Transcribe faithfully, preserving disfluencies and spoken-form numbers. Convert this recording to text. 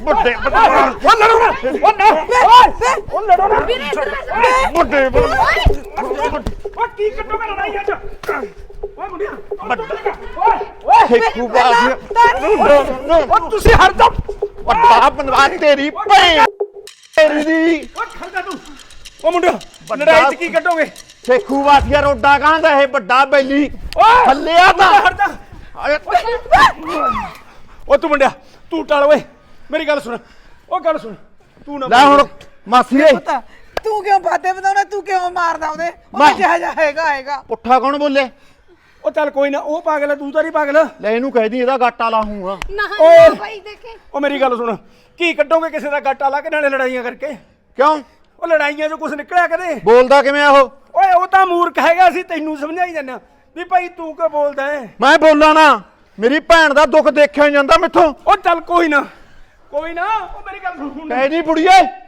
ਵੱਡੇ ਉਹ ਲੜੋ ਨਾ ਉਹ ਨਾ ਉਹ ਲੜੋ ਨਾ ਵੱਡੇ ਉਹ ਕੀ ਕੱਟੋਗੇ ਲੜਾਈ ਅੱਜ ਓਏ ਮੁੰਡਿਆ ਓਏ ਓਏ ਠੇਕੂ ਬਾਸ ਉਹ ਤੁਸੀਂ ਹਰ ਦਮ ਵੱਡਾ ਬਣਵਾ ਤੇਰੀ ਭੈਣ ਤੇਰੀ ਦੀ ਓਏ ਖੜਦਾ ਤੂੰ ਉਹ ਮੁੰਡਿਆ ਲੜਾਈ ਚ ਕੀ ਕੱਟੋਗੇ ਠੇਕੂ ਬਾਸੀਆ ਰੋਡਾ ਕਹਿੰਦਾ ਇਹ ਵੱਡਾ ਬੈਲੀ ਓਏ ਥੱਲਿਆ ਤਾਂ ਹਟਦਾ ਉਹ ਤੂੰ ਮੁੰਡਿਆ ਤੂੰ ਟਾਲ ਓਏ ਮੇਰੀ ਗੱਲ ਸੁਣ ਉਹ ਗੱਲ ਸੁਣ ਤੂੰ ਨਾ ਲੈ ਹੁਣ ਮਾਸੀ ਏ ਪਤਾ ਤੂੰ ਕਿਉਂ ਬਾਤੇ ਬਤਾਉਣਾ ਤੂੰ ਕਿਉਂ ਮਾਰਦਾ ਉਹਦੇ ਮੈਂ- ਉਹ ਜਿਹਾ ਜਿਹਾ ਹੈਗਾ ਹੈਗਾ ਪੁੱਠਾ ਕੌਣ ਬੋਲੇ ਉਹ ਚੱਲ ਕੋਈ ਨਾ ਉਹ ਪਾਗਲ ਹੈ ਤੂੰ ਤਾਂ ਨਹੀਂ ਪਾਗਲ ਲੈ ਇਹਨੂੰ ਕਹਿਦੀ ਇਹਦਾ ਗਾਟਾ ਲਾਹੂਗਾ ਨਾ ਓਏ। ਨਾ ਭਾਈ ਦੇਖੇ ਉਹ ਮੇਰੀ ਗੱਲ ਸੁਣ ਕੀ ਕੱਢੋਗੇ ਕਿਸੇ ਦਾ ਗੱਟਾ ਲਾ ਕੇ ਨਾਲੇ ਲੜਾਈਆਂ ਕਰਕੇ ਕਿਉਂ ਉਹ ਲੜਾਈਆਂ 'ਚੋਂ ਕੁਝ ਨਿਕਲਿਆ ਕਦੇ ਬੋਲਦਾ ਕਿਵੇਂ ਆ ਉਹ ਓਏ ਉਹ ਤਾਂ ਮੂਰਖ ਹੈਗਾ ਸੀ ਤੈਨੂੰ ਸਮਝਾਈ ਜਾਂਦਾ ਵੀ ਭਾਈ ਤੂੰ ਕਿਉਂ ਬੋਲਦਾ ਹੈ ਮੈਂ ਬੋਲਾਂ ਨਾ ਮੇਰੀ ਭੈਣ ਦਾ ਦੁੱਖ ਦੇਖਿਆ ਨੀ ਜਾਂਦਾ ਮੈਥੋਂ ਉਹ ਚੱਲ ਕੋਈ ਨਾ ਕੋਈ ਨਾ ਉਹ ਮੇਰੀ ਗੱਲ ਸੁਣ ਕਹਿ ਨਹੀਂ ਬੁੜੀਏ